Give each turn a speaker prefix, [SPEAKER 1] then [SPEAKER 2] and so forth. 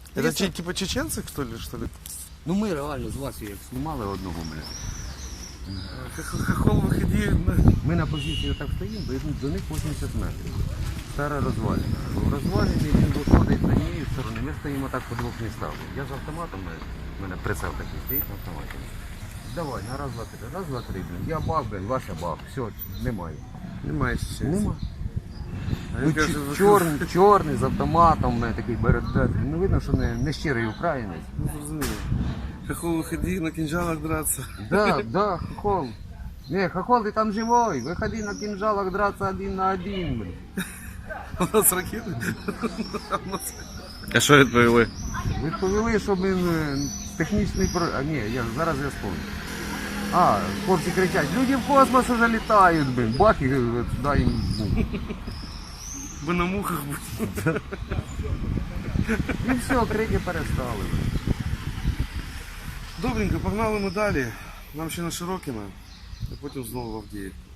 [SPEAKER 1] Это типа чеченцы, что ли?
[SPEAKER 2] Ну ми реально з вас як знімали одного мене.
[SPEAKER 1] Хохол выходи.
[SPEAKER 2] Ми на позиції так стоїмо, до них 80 метрів. Стара розвалина. В розвалині він виходить з однієї сторони, ми стоїмо так по двох містах. Я з автоматом, в мене прицел такий стоїть на автоматі. Давай, на раз, два, три. Раз, два, три, блін. Я бах, блін, Вася бах. Все, немає.
[SPEAKER 1] Немає чеченців.
[SPEAKER 2] Нема.
[SPEAKER 1] А
[SPEAKER 2] Ну,
[SPEAKER 1] він каже,
[SPEAKER 2] чорний з автоматом, в мене такий берет. Ну видно, що не щирий українець.
[SPEAKER 1] ну зрозуміло. Хохол выходи, на кинжалах драться.
[SPEAKER 2] Да, хохол. Не, хохол, ты там живой. Выходи на кинжалах драться 1 на 1, блин.
[SPEAKER 1] У нас ракети.
[SPEAKER 3] А що відповіли?
[SPEAKER 2] Відповіли, що технічний А ні, зараз я спомню. Хлопці кричать, люди в космос уже літають, блин. Бах, і сюди їм.
[SPEAKER 1] Ви на мухах будете.
[SPEAKER 2] І все, крики перестали.
[SPEAKER 1] Добренько, погнали ми далі. Нам ще на Широкіна, а потім знову в Авдіївку.